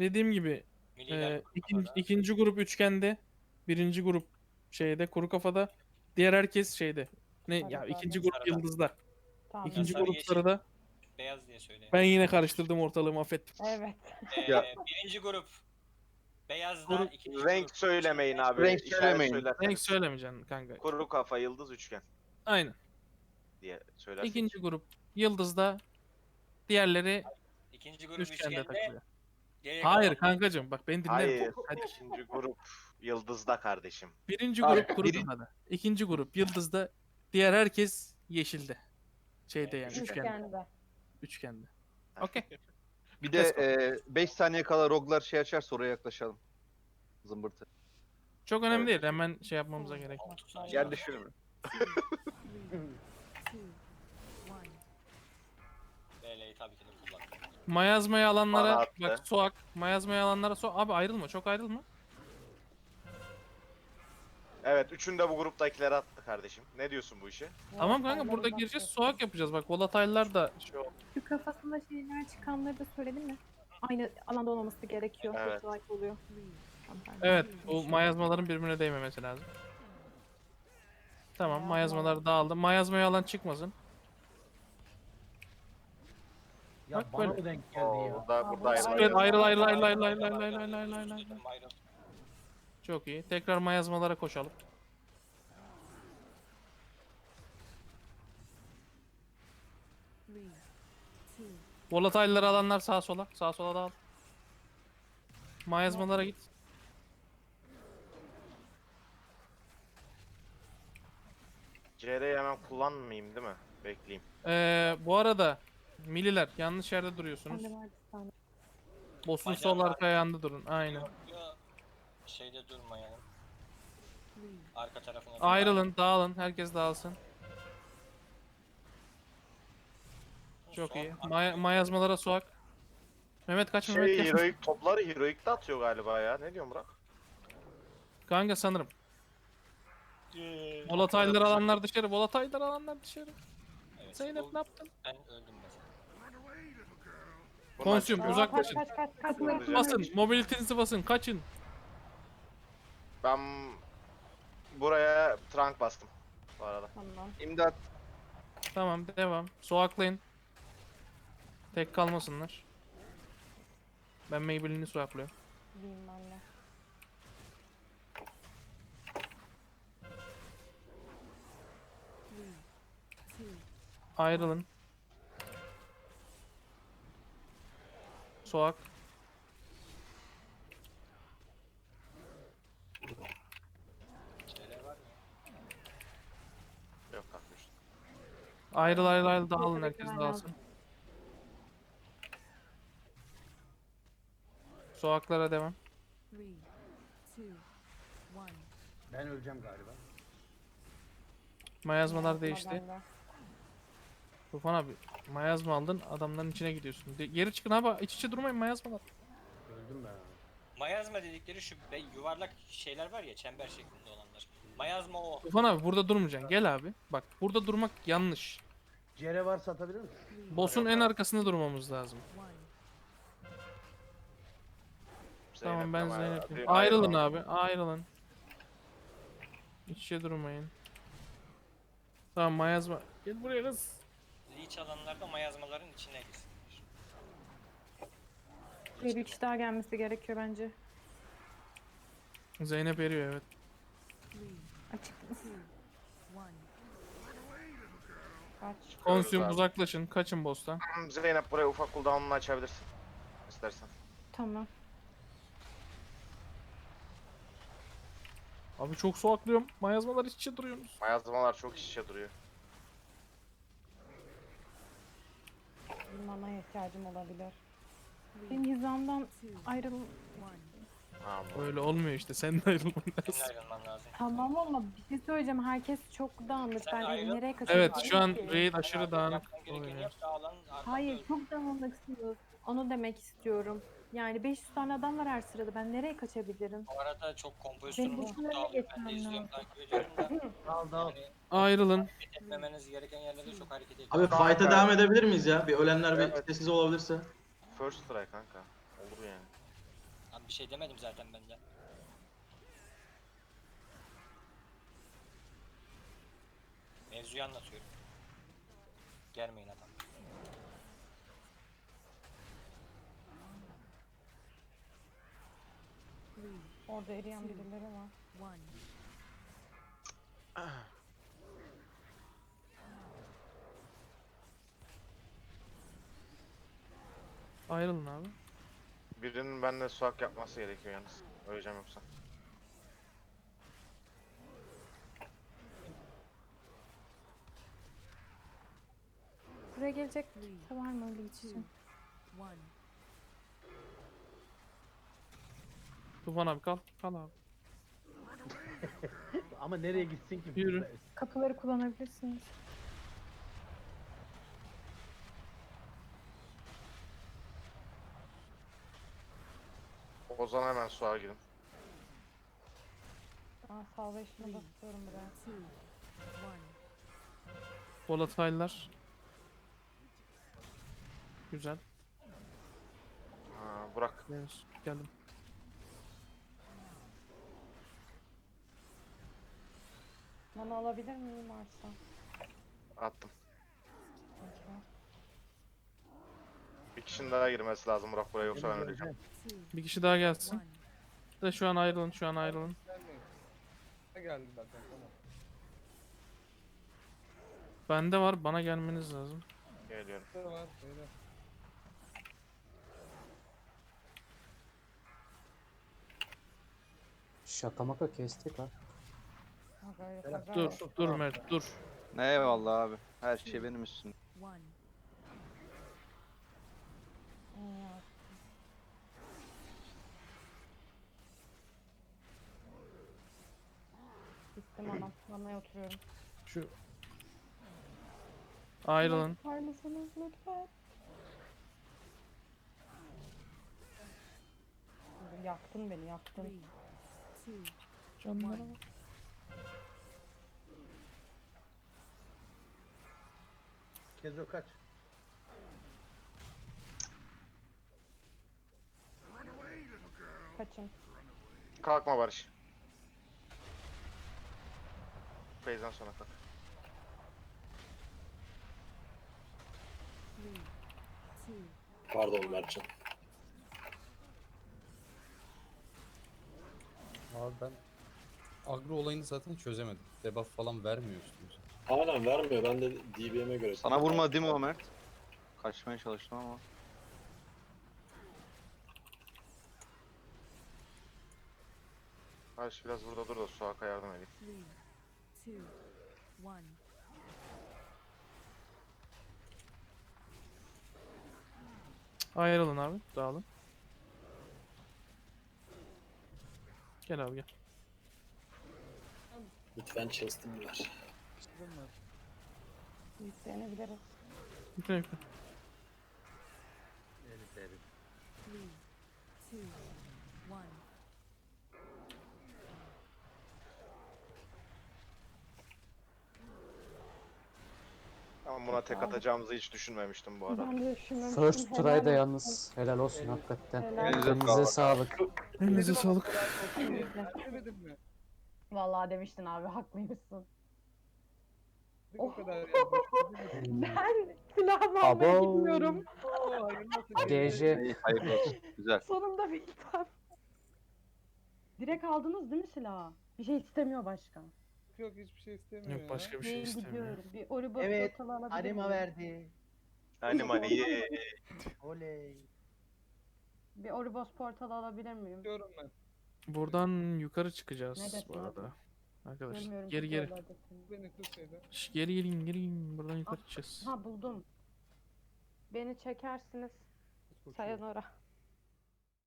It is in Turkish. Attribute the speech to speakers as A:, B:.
A: dediğim gibi
B: Milliler
A: ikinci grup üçgende, birinci grup şeyde kuru kafada, diğer herkes şeyde. Ne ya
C: Sarıda
A: ikinci
C: mı?
A: grup
B: Sarıda.
A: yıldızda.
C: Tamam.
A: İkinci
B: sarı,
A: grup
B: yeşil.
A: sarıda.
B: Beyaz diye söyleyeyim.
A: Ben yine karıştırdım ortalığı affet.
C: Evet.
D: Ya.
B: Birinci grup beyazda,
A: Grup-
B: ikinci
E: Renk
B: grup
E: söylemeyin
B: yeşilde.
E: abi.
D: Renk
E: İşaret
D: söylemeyin.
A: Renk
E: söylerseniz.
A: söylemeyeceksin kanka.
E: Kuru kafa, yıldız, üçgen
A: Aynen.
E: diye söylersek.
A: İkinci grup yıldızda, diğerleri
B: İkinci grup
A: üçgende
B: üçgende.
A: takılıyor.
B: Geriye
A: Hayır
B: kalan
A: kankacığım bak beni dinle.
E: Hayır.
A: Hadi.
E: İkinci grup yıldızda kardeşim.
A: Birinci
D: Abi,
A: grup kuru kafada. İkinci grup yıldızda. Diğer herkes yeşilde. Şeyde yani üçgende.
C: Üçgende.
A: Üçgende. Okey.
D: Bir de 5 saniye kala roglar şey açarsa oraya yaklaşalım. Zımbırtı.
A: Çok önemli
E: Evet.
A: değil. Hemen şey yapmamıza gerek yok.
D: Yer düşürme.
B: BL'yi tabii ki de kullan.
A: Mayazmayı
E: Bana
A: alanlara
E: attı.
A: bak soğuk. Mayazmayı alanlara soğuk. Abi ayrılma. Çok ayrılma.
E: Evet, üçünü de bu gruptakileri attı kardeşim. Ne diyorsun bu işe?
A: Tamam kanka
C: Volatile'lara
A: burada gireceğiz.
C: bakıyorsun.
A: Soğuk yapacağız. Bak volatile'lar da şey oldu.
F: Şu kafasında şeyler çıkanları da söyledin mi? Aynı alanda olmaması gerekiyor.
E: Evet.
F: Çok like oluyor. Tamam, pardon.
A: Evet. Bu mayazmaların birbirine değmemesi lazım. Tamam mayazmalar dağıldı. Mayazmayı alan çıkmasın.
G: Ya
A: Bak
G: bana
A: böyle.
G: mı denk geldi
E: Oo,
G: ya?
E: burada
C: Ayrıl.
A: Evet, ayrıl ayrıl ayrıl
B: Ayrıl,
A: ayrıl
B: ayrıl,
A: ayrıl
B: ayrıl,
A: ayrıl
B: ayrıl,
A: ayrıl
B: ayrıl, ayrıl.
A: Çok iyi. Tekrar mayazmalara koşalım. Volatile'ları alanlar sağa sola. Sağa sola dağıl. Mayazmalara git.
E: CR'yi hemen kullanmayayım değil mi? Bekleyeyim.
A: Bu arada milliler yanlış yerde duruyorsunuz.
F: Bende var bir tane.
A: Boss'un
B: Bacağım
A: sol
B: var.
A: arka ayağında durun. Aynen.
B: Yok, yok. Şeyde durmayalım. Arka tarafına
A: Ayrılın, dağılın. Herkes dağılsın. Çok
B: Son
A: iyi.
B: arka-
A: Mayazmalara soğuk. Mehmet kaç Mehmet
E: Şey,
A: kaç.
E: heroik topları heroik'te atıyor galiba ya. Ne diyorsun Burak?
A: Kanka sanırım.
B: Eee,
A: Volatile'ları alanlar dışarı. Volatile'ları alanlar dışarı.
B: evet,
A: Zeynep
B: bu-
A: ne yaptın?
B: Ben öldüm mesela.
E: Bundan
A: Konsüm
E: çıkıyor.
A: uzaklaşın.
C: Kaç.
A: Basın. Mobilitenizi basın. Kaçın.
E: Ben buraya trunk bastım bu arada.
C: Tamam.
D: İmdat.
A: Tamam devam. Soğuklayın. Tek kalmasınlar. Ben Maybelline'i soğukluyorum.
C: Bilmem ne.
A: Ayrılın. Soğuk.
B: Şeyler var mı?
E: Yok kalkmış.
A: Ayrıl ayrıl ayrıl dağılın. Herkes dağılsın. Soğuklara devam.
G: Ben öleceğim galiba.
A: Mayazmalar değişti.
C: Bende.
A: Tufan abi mayazma aldın adamların içine gidiyorsun. Geri çıkın abi iç içe durmayın mayazmalar.
G: Öldüm ben.
B: Mayazma dedikleri şu yuvarlak şeyler var ya, çember şeklinde olanlar. Mayazma o.
A: Tufan abi burada durmayacaksın gel abi. Bak burada durmak yanlış.
G: Cere varsa atabilir misin?
A: Boss'un en arkasında durmamız lazım. Tamam ben Zeynep'im. Ayrılın abi ayrılın. İç içe durmayın. Tamam mayazma. Gel buraya kız.
B: Leech alanlarda mayazmaların içine girsin.
F: Buraya bir kişi daha gelmesi gerekiyor bence.
A: Zeynep eriyor evet.
F: Açık.
C: Kaç.
A: Konsüm
E: abi.
A: uzaklaşın kaçın boss'tan.
E: Zeynep buraya ufak cooldown'unu açabilirsin. İstersen.
F: Tamam.
A: Abi çok soğukluyorum. Mayazmalar iç içe duruyorsunuz.
E: Mayazmalar çok iç içe duruyor.
C: Bir manaya ihtiyacım olabilir.
F: Benim hizamdan ayrıl...
E: Ha, bu.
A: Öyle olmuyor işte sen de ayrılman
B: Senin
A: lazım.
B: ayrılman lazım.
F: Tamam ama bir şey söyleyeceğim. Herkes çok dağınık.
B: Sen
F: Ben
B: ayrıl.
F: nereye kaçabilirim
A: Evet şu an
F: ki?
A: raid aşırı dağınık
B: Yapman gerekeni
A: oluyor.
B: yap da alan arkanda
F: Hayır
B: öl.
F: çok dağınıksınız. Onu demek istiyorum. Yani 500 tane adam var her sırada. Ben nereye kaçabilirim?
B: Bu arada çok
F: Benim
B: kompozisyonumuz
F: boşuna
B: çok
F: öyle
B: dağılıyor. Ben de
F: geçmem
B: izliyorum,
F: lazım.
B: takip ediyorum da.
G: Dal dal.
B: Yani
A: Ayrılın.
B: hareket etmemeniz gereken yerlerde çok hareket ediyor.
H: Abi fight'a devam edebilir miyiz ya? Bir ölenler bir
E: Evet.
H: sessiz olabilirse.
E: First try kanka. Olur yani.
B: Bir şey demedim zaten ben de. Mevzuyu anlatıyorum. Germeyin adam.
C: Orada eriyen birileri var.
A: Ayrılın abi.
E: Birinin bende suak yapması gerekiyor yalnız. Öleceğim yoksa.
F: Buraya gelecek kimse var mı öyle geçeceğim?
A: Tufan abi kal. Kal abi.
G: Ama nereye gitsin ki?
A: Yürü.
F: Kapıları kullanabilirsiniz.
E: Ozan hemen suağa gidin.
C: Aa, salvation'ı basıyorum buraya.
A: Volatile'lar. Güzel.
E: Ha, Burak.
A: Evet, geldim.
C: Mana alabilir miyim varsa?
E: Attım.
C: Peki.
E: Bir kişinin daha girmesi lazım Burak buraya yoksa ben öleceğim.
A: Bir kişi daha gelsin. De şu an ayrılın, şu an ayrılın.
H: Geldi zaten tamam.
A: Bende var, bana gelmeniz lazım.
E: Geliyorum.
H: Var şeyde.
I: Şaka maka kestik ha.
C: Ha, gayret,
G: Berat,
C: ha,
A: Dur,
C: gayret.
A: dur Mert, dur.
D: Eyvallah abi. Her şey benim üstüm.
C: Ya, Gittim anam. Manaya oturuyorum.
A: Şu ayrılın.
C: Var mısınız lütfen? Yaktın beni, yaktın.
A: Canlara bak.
G: Kezo kaç.
C: Kaçın.
E: Kalkma Barış. Feyzden sonra kalk.
J: Pardon Mertcan.
I: Abi ben agro olayını zaten çözemedim. Debuff falan vermiyor üstümüze.
J: Aynen vermiyor. Ben de DBM'e göre.
D: Sana vurma değil mi o Mert? Kaçmaya çalıştım ama.
E: Barış biraz burada dur da suaka yardım edeyim.
A: Ayrılın abi, dağılın. Gel abi gel.
J: Lütfen chest'imi ver.
C: Yüklenebiliriz.
A: Yükle yükle.
G: Herif herif.
E: Ama buna tek atacağımızı hiç düşünmemiştim bu arada.
C: Ben de düşünmemiştim.
I: First
C: helal
I: try'da
C: olsun.
I: yalnız helal olsun hakikaten.
C: Helal
D: Elinize
I: Elinize
D: sağlık.
I: sağlık.
A: Elinize sağlık.
H: Demedim mi?
C: Vallahi demiştin abi, haklıymışsın.
H: Bir
C: Oh.
H: o kadar yapmış.
C: Ben silahımı almaya
I: Abo.
C: gidiyorum.
H: Oo, hayırlı olsun.
I: GG.
D: İyi, hayırlı olsun. Güzel.
C: Sonunda bir hitap. Direkt aldınız değil mi silahı? Bir şey istemiyor başka.
H: Yok hiçbir şey istemiyor
A: Yok başka bir şey
C: Ben
A: istemiyor.
C: gidiyorum. Bir Oribos
G: Evet,
C: portalı alabilir
G: Anima
C: miyim?
G: verdi.
E: Hani ye.
G: Oley.
C: Bir Oribos portalı alabilir miyim?
H: Diyorum ben.
A: Buradan yukarı çıkacağız
C: Neredesin
A: bu
C: abi?
A: arada. Arkadaşlar
C: Görmüyorum.
A: geri geri.
C: portallardakini.
H: Beni tut şeyde.
A: Şş, geri gelin geri gelin. Buradan yukarı çıkacağız.
C: Ha, buldum. Beni çekersiniz.
H: Koşuyor.
C: Sayonara.